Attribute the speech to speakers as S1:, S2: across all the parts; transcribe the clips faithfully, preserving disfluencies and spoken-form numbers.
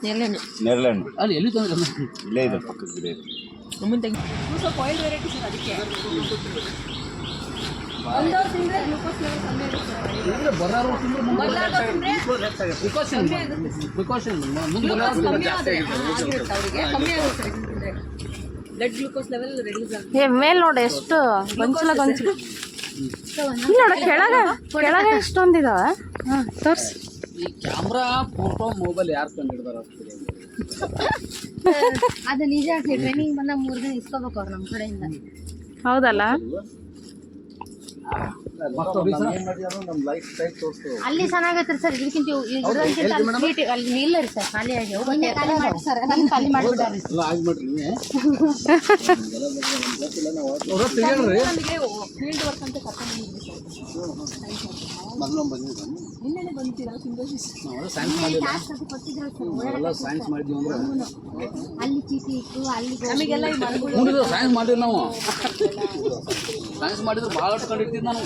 S1: ನೆರಳೆಹಣ್ಣು
S2: ನೆರಳೆಹಣ್ಣು
S3: ಅಲ್ಲಿ ಎಲ್ಲಿ ತಂದ್ರೆ
S2: ಇಲ್ಲೇ ಇದೆ ಪಕ್ಕದ ಗಿಡ ಇದೆ.
S1: ಮುಂದೆ ತೆಗಿ ಸ್ವಲ್ಪ ಆಯಿಲ್ ವೆರೈಟಿ ಸರ್ ಅದಕ್ಕೆ ಒಂದವ್ರು ತಿಂದರೆ ಗ್ಲೂಕೋಸ್ ಲೆವೆಲ್ ಕಮ್ಮಿ ಆಗುತ್ತೆ
S3: ಬರಾರು ತಿಂದ್ರೆ ಪ್ರಿಕಾಷನ್ ಪ್ರಿಕಾಷನ್ ಮುಂದೆ
S1: ಗ್ಲೂಕೋಸ್ ಕಮ್ಮಿ ಆದರೆ ಆಗಿರುತ್ತೆ ಅವರಿಗೆ ಕಮ್ಮಿ ಆಗುತ್ತೆ ತಿಂದರೆ ಬ್ಲಡ್ ಗ್ಲೂಕೋಸ್ ಲೆವೆಲ್ ರಿಲೀಸ್ ಆಗುತ್ತೆ.
S4: ಏ ಮೇಲ್ ನೋಡಿ ಎಷ್ಟು ಗೊಂಚಲ ಗೊಂಚಲ ಇಲ್ಲಿ ನೋಡ ಕೆಳಗೆ ಕೆಳಗೆ ಎಷ್ಟೊಂದಿದಾವೆ. ಹಾಂ ತೋರಿಸಿ.
S3: ಈ ಕ್ಯಾಮ್ರಾ ಫೋಟೋ ಮೊಬೈಲ್ ಯಾರು ಕಂಡು ಹಿಡ್ದಾರ
S5: ಅದು ನಿಜ ಟ್ರೈನಿಂಗ್ ಬಂದ ಮೂರು ದಿನ ಇಸ್ಕೋಬೇಕು ಅವ್ರು ನಮ್ಮ ಕಡೆಯಿಂದ.
S4: ಹೌದಲ್ಲ
S5: ಅಲ್ಲಿ ಚೆನ್ನಾಗೈತ್ರಿ ಸರ್. ಇದಕ್ಕಿಂತ ಇದಕ್ಕಿಂತ ಅಲ್ಲಿ ಇಲ್ಲ ರೀ ಸರ್. ಖಾಲಿ ಆಗಿ ಸರ್ ಖಾಲಿ ಮಾಡಿಬಿಡ್ರಿ.
S1: ನಮಗೆ ಫೀಲ್ಡ್ ವರ್ಕ್ ಅಂತ ಕರ್ಕೊಂಡು ನಿನ್ನೆ ಬಂದಿರಲ್ಲ ಸಿಂಗೋಸಿಸ್
S3: ಸೈನ್ಸ್ ಮಾಡಿದ್ವಿ ಅಂದ್ರೆ
S5: ಅಲ್ಲಿ ಚೀಟಿ ಇತ್ತು ಅಲ್ಲಿ
S1: ನಮಗೆಲ್ಲ ಈ ಮರಗಳು
S3: ಸೈನ್ಸ್ ಮಾಡಿದ್ವಿ ನಾವು. ಸೈನ್ಸ್ ಮಾಡಿದ್ರೆ ಭಾಳ ಕಂಡಿರ್ತೀವಿ ನಾನು.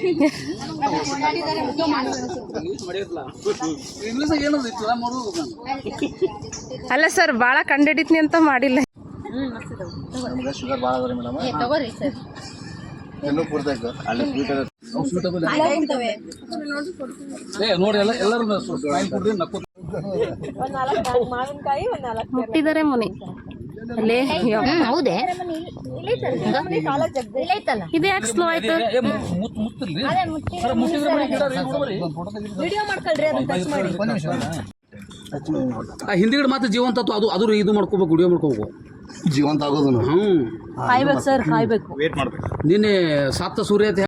S3: ಇಂಗ್ಲೀಷ್ ಏನದು ಇತ್ತು ಮಾಡೋದು ನಾನು.
S4: ಅಲ್ಲ ಸರ್ ಭಾಳ ಕಂಡಿಡಿತೀನಿ ಅಂತ ಮಾಡಿಲ್ಲ.
S2: ಶುಗರ್ ಭಾಳ ಅದ ಮೇಡಮ್.
S5: ತಗೋರಿ ಸರ್.
S2: ಇನ್ನೂ ಪೂರ್ತಿ ಅಲ್ಲಿ ಸ್ವೀಟ್
S3: ಏ ನೋಡಿ ಎಲ್ಲ ಎಲ್ಲರೂ ಕೊಡ್ರಿ ನಕ್ಕು
S1: ಒಂದು ನಾಲ್ಕು ಮಾವಿನಕಾಯಿ ಒಂದು ನಾಲ್ಕು
S4: ಮುಟ್ಟಿದ್ದಾರೆ ಮುನಿ ಅಲ್ಲೇ.
S5: ಹೌದೇ
S4: ಇದು ಯಾಕೆ ಸ್ಲೋ ಆಯ್ತು?
S3: ಮುತ್ತಿಲ್ರಿ
S1: ವಿಡಿಯೋ ಮಾಡ್ಕೊಳ್ರಿ ಅದನ್ನ ಟಚ್ ಮಾಡಿ.
S3: ಹಿಂದಿಗಡೆ ಮಾತ್ರ ಜೀವಂತ ಅದು ಅದು ಇದು ಮಾಡ್ಕೋಬೇಕು, ವಿಡಿಯೋ ಮಾಡ್ಕೋಬೇಕು.
S2: ಜೀವಂತ ಆಗೋದು.
S3: ಹ್ಞೂ
S1: ಕಾಯ್ಬೇಕು ಸರ್, ಕಾಯ್ಬೇಕು.
S2: ವೇಟ್ ಮಾಡ್ಬೇಕು.
S3: ನಿನ್ನೆ ಸಾತ್ತ ಸೂರ್ಯ